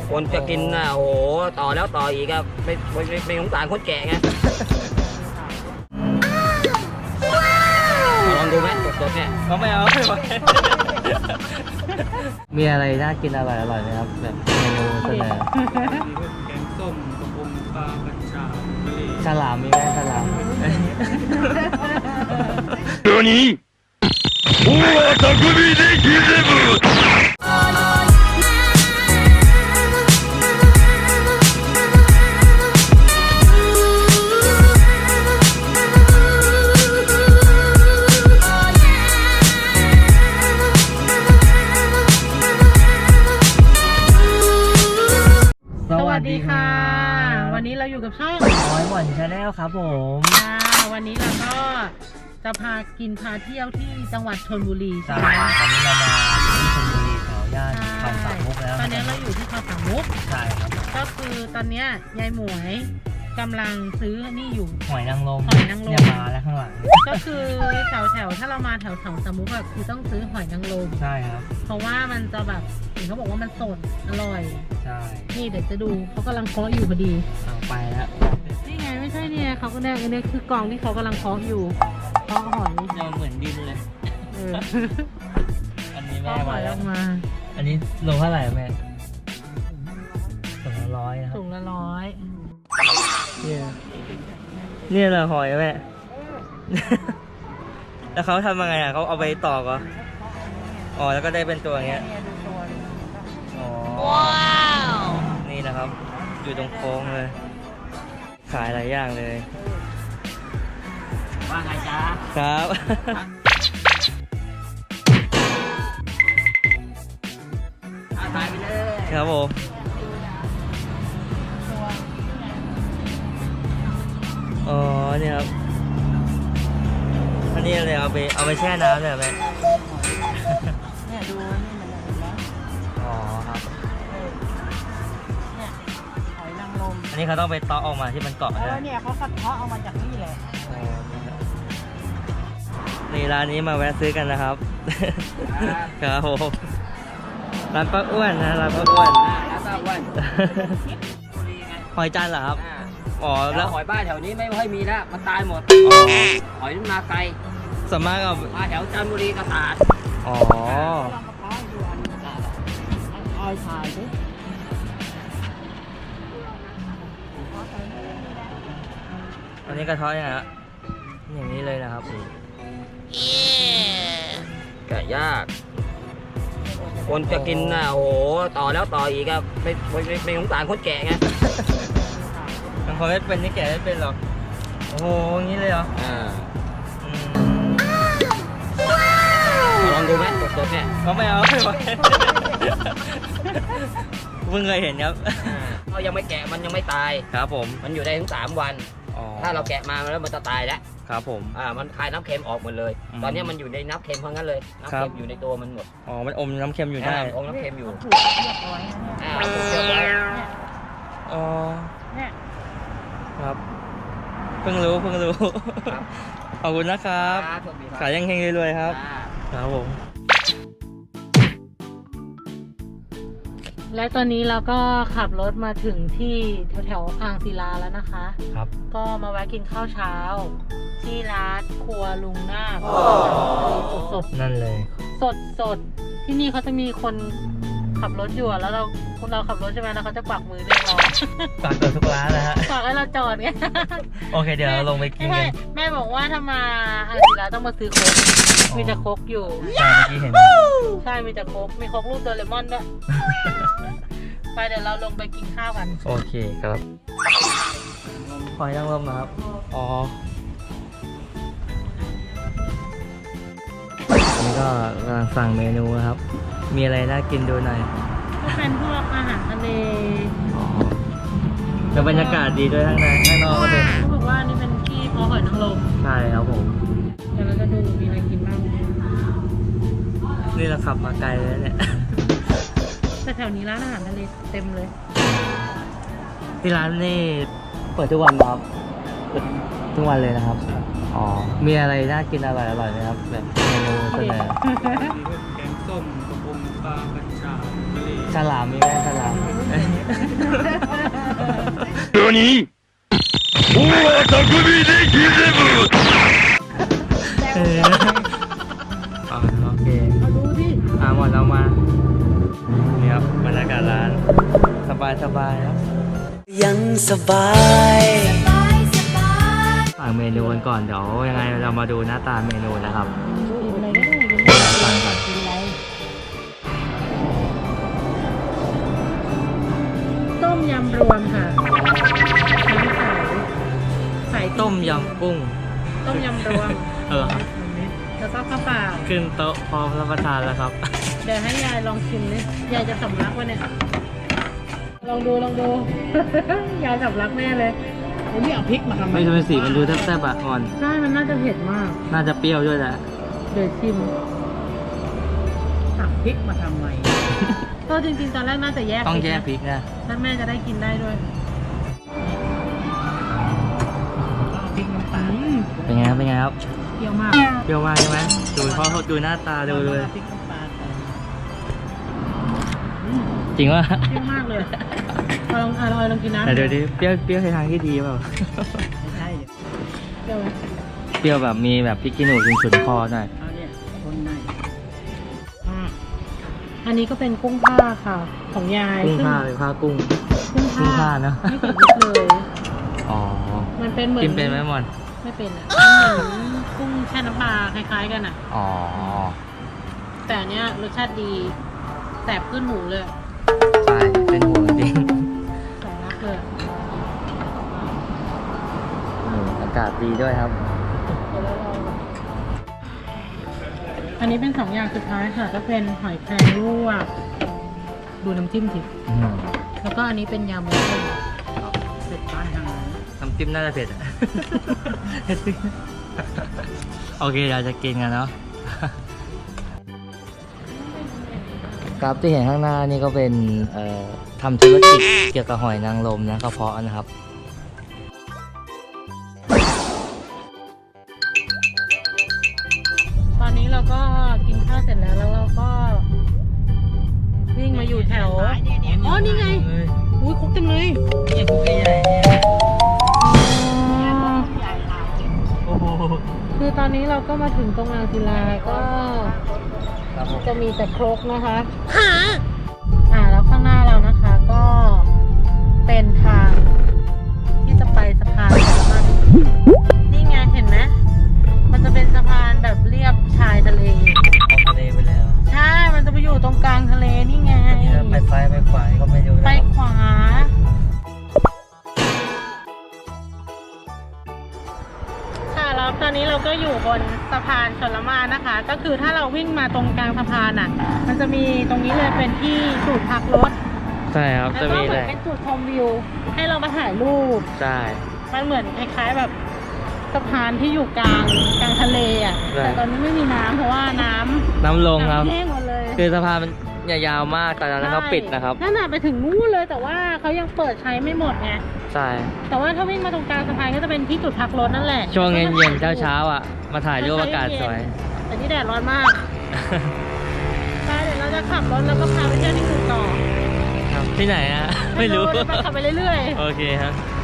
คนจะกินน่ะโอ้โหต่อแล้วต่ออีกครับไม่สงสารคนแก่ไงลองดูไหมสดๆเนี่ยเขาไม่เอาไม่ไหวมีอะไรน่ากินอร่อยไหมครับแบบเมนูเสนอแกงส้มกระพงปลากัญชาทะเลฉลามมีไหมฉลาม何おは匠でギゼブสวัสดีค่ะวันนี้เราอยู่กับช่องน้อยหวานชาแนลครับผมวันนี้เราก็จะพาเที่ยวที่จังหวัดชลบุรีใช่ตอนนี้เรามาที่ชลบุรีแถวย่านคลองสามมุกแล้วตอนนี้เราอยู่ที่คลองสามมุกใช่ครับก็คือตอนนี้ยายหมวยกำลังซื้อนี่อยู่หอยนางรมเนี่ยมาแล้วข้างหลังก็คือแถวถ้าเรามาแถวสามมุกอะคือต้องซื้อหอยนางรมใช่ครับเพราะว่ามันจะแบบเห็นเขาบอกว่ามันสดอร่อยใช่นี่เดี๋ยวจะดูเขากำลังเคาะอยู่พอดีเอาไปแล้วนี่ไงไม่ใช่เนี่ยเขาก็เนี่ยคือกล่องที่เขากำลังเคาะอยู่เคาะหอยเราเหมือนดินเลยอันนี้แม่มาแล้วมาอันนี้โลเท่าไหร่แม่ถุงละ100นะครับถุงละ100 เนี่ยแหละหอยแม่แล้วเขาทำยังไงอ่ะเขาเอาไปตอกเหรออ๋อแล้วก็ได้เป็นตัวอย่างเงี้ยอ๋อว้าวนี่นะครับอยู่ตรงโค้งเลยขายหลายอย่างเลยว่าไงจ๊ะครับถ่ายไปเลยครับผมอ๋อนี่ครับอันนี้เลยเอาไปแช่น้ำเลยไหมเนี่ยดูนี่มันเห็นไหมอ๋อครับเนี่ยหอยนางรมอันนี้เขาต้องไปตอกออกมาที่มันเกาะแล้วเนี่ยเขาสัดเพาะเอามาจากนี่เลยนี่ร้านนี้มาแวะซื้อกันนะครับครับผมร้านป้าอ้วนนะร้านป้าอ้วนหอยจานเหรอครับอ๋อแล้วหอยบ้านแถวนี้ไม่ค่อยมีแล้วมันตายหมดหอยมาไกลสามารถเอามาแถวจันทบุรีกระสานอ๋อเอาถ่ายสิอันนี้กระท้อยนะฮะอย่างนี้เลยนะครับแกะยากคนจะกินน่ะโอ้โหต่อแล้วต่ออีกครับไม่สงสารคนแก่ไงบางคนไม่เป็นนี่แก่ไม่เป็นหรอกโอ้โหอย่างนี้เลยเหรอลองดูไหมสดๆเนี่ยเขาไม่เอาไม่ไหวเพิ่งเคยเห็นครับเขายังไม่แกะมันยังไม่ตายครับผมมันอยู่ได้ถึง3 วันถ้าเราแกะมาแล้วมันจะตายแล้วครับผมมันคายน้ำเค็มออกหมดเลยตอนนี้มันอยู่ในน้ำเค็มเพราะงั้นเลยน้ำเค็มอยู่ในตัวมันหมดอ๋อมันอมน้ำเค็มอยู่ได้อมน้ำเค็มอยู่ถูกเรียบร้อยอ๋อเนี่ยครับเพิ่งรู้ขอบคุณนะครับขายยังเฮงรวยๆครับครับผมและตอนนี้เราก็ขับรถมาถึงที่แถวอ่างศิลาแล้วนะคะครับก็มาแวะกินข้าวเช้าที่ร้านครัวลุงนาคสดนั่นเลยสดที่นี่เขาจะมีคนขับรถอยู่แล้วเราขับรถใช่ไหมแล้วเขาจะกวักมือเรียกเรากวักตัวทุกร้านนะฮะกวักให้เราจอดไงโอเคเดี๋ยวเราลงไปกินกันแม่บอกว่าถ้ามาอ่างศิลาต้องมาซื้อโค้กมีแต่โค้กอยู่ใช่เมื่อกี้เห็นใช่มีแต่โค้กมีโค้กรูปโดเรมอนด้วยไปเดี๋ยวเราลงไปกินข้าวกันโอเคครับหอยนางรมครับอ๋อนี่ก็กำลังสั่งเมนูครับมีอะไรน่ากินดูหน่อยก็เป็นพวกอาหารทะเลแล้วบรรยากาศดีด้วยข้างนอกก็เป็นเขาบอกว่านี่เป็นที่เพาะหอยนางรมใช่ครับผมเดี๋ยวเราจะดูมีอะไรกินบ้างนี่เราขับมาไกลเลยเนี่ยแต่แถวนี้ร้านอาหารทะเลเต็มเลยที่ร้านนี่เปิดทุกวันครับทุกวันเลยนะครับอ๋อมีอะไรน่ากินอร่อยไหมครับแบบเมนูเสนอแกงส้มกระพงปลากัญชาทะเลฉลามมีไหมฉลาม何おは匠でギゼブอ๋อโอเคเอาดูดิหมดเรามานี่ครับบรรยากาศร้านสบายครับยังสบายสั่งเมนูกันก่อนเดี๋ยวยังไงเรามาดูหน้าตาเมนูนะครับกินอะไรก็ได้กินสั่งก่อนกินอะไรต้มยำรวมค่ะน้ำใสต้มยำกุ้งต้มยำรวมครับแล้วก็ข้าวเปล่าขึ้นโต๊ะพร้อมรับประทานแล้วครับเดี๋ยวให้ยายลองชิมดิยายจะสำลักวะเนี่ย ลองดู ยายสำลักแน่เลยโอ้ยนี่เอาพริกมาทำไมไม่ใช่เป็นสีมันดูแซ่บๆอ่ะอ่อนใช่มันน่าจะเผ็ดมากน่าจะเปรี้ยวด้วยแหละเดี๋ยวชิมตักพริกมาทำไม ก็จริงๆตอนแรกน่าจะแยกต้องแยกพริกนะถ้าแม่จะได้กินได้ด้วยพริกน้ำตาลเป็นไงครับเปรี้ยวมากเปรี้ยวมากใช่ไหมดูเพราะดูหน้าตาดูเลยพริกน้ำตาลจริงว่าเปรี้ยวมากเลยลองกินน้ำแต่ดูดิเปรี้ยวในทางที่ดีเปล่าใช่เปรี้ยวไหมเปรี้ยวแบบมีแบบพริกขี้หนูฉุนๆคอหน่อยเอาเนี่ยคนในอันนี้ก็เป็นกุ้งผ้าค่ะ ของยายกุ้งซึ่ผ้าเลยผ้ากุ้งกุ้งกุ้งผ้าผ้าเนอะไม่ติดลิบเลยอ๋อมันเป็นเหมือนกินเป็นไหมมอนไม่เป็นอ่ะมันเหมือนกุ้งแช่น้ำปลาคล้ายๆกันอ่ะอ๋อแต่อันเนี้ยรสชาติดีแสบขึ้นหูเลยใช่เป็นห่วงจริงสองรักเลยอากาศดีด้วยครับอันนี้เป็น2 อย่างสุดท้ายค่ะ ก็เป็นหอยแครงลวกดูน้ำจิ้มสิแล้วก็อันนี้เป็นยำเลยเผ็ดปลายหางน้ำจิ้มน่าจะเผ็ดอะ โอเคเราจะกินกันเนาะ ครับที่เห็นข้างหน้านี่ก็เป็นทำธุรกิจเกี่ยวกับหอยนางรมนะกระเพาะนะครับตอนนี้เราก็กินข้าวเสร็จแล้วเราก็วิ่งมาอยู่แถวอ๋อนี่ไงอุ้ยคุกจังเลยเนี่ยคุกใหญ่เนี่ยโอ้โหคือตอนนี้เราก็มาถึงตรงอ่างศิลาก็ครับผมจะมีแต่ครกนะคะแล้วข้างหน้าเรานะคะก็เป็นทางที่จะไปสะพานมันนี่ไงเห็นไหมมันจะเป็นสะพานแบบเรียบชายทะเลออกทะเลไปแล้วใช่ มันจะไปอยู่ตรงกลางทะเลนี่ไงนี่เราไปซ้ายไปขวาก็ไม่รู้นะไปครับขวา ค่ะแล้วตอนนี้เราก็อยู่บนสะพานชลมารนะคะ ก็คือถ้าเราวิ่งมาตรงกลางสะพานอ่ะ มันจะมีตรงนี้เลยเป็นที่จุดพักรถใช่ครับแล้วจะก็มีเหมืเลอนยเป็นจุดชมวิว ให้เรามาถ่ายรูปใช่มันเหมือนคล้ายๆแบบสะพานที่อยู่กลางทะเลอ่ะใช่แต่ตอนนี้ไม่มีน้ำเพราะว่าน้ำน้ำลงครับแห้งหมดเลยคือสะพานมันยาวมากแต่ตอนนั้นเขาปิดนะครับนั่นน่ะไปถึงนู้นเลยแต่ว่าเขายังเปิดใช้ไม่หมดไงใช่แต่ว่าถ้าวิ่งมาตรงกลางสะพานก็จะเป็นที่จุดพักรถนั่นแหละช่วงเย็นๆเช้าๆอ่ะ มาถ่ายรูปอากาศสวยแต่นี่แดดร้อนมากไปเดี๋ยวเราจะขับรถแล้วก็พาไปเที่ยวที่อื่นต่อครับที่ไหนอะไม่รู้เดี๋ยวเราขับไปเรื่อยๆโอเคครับ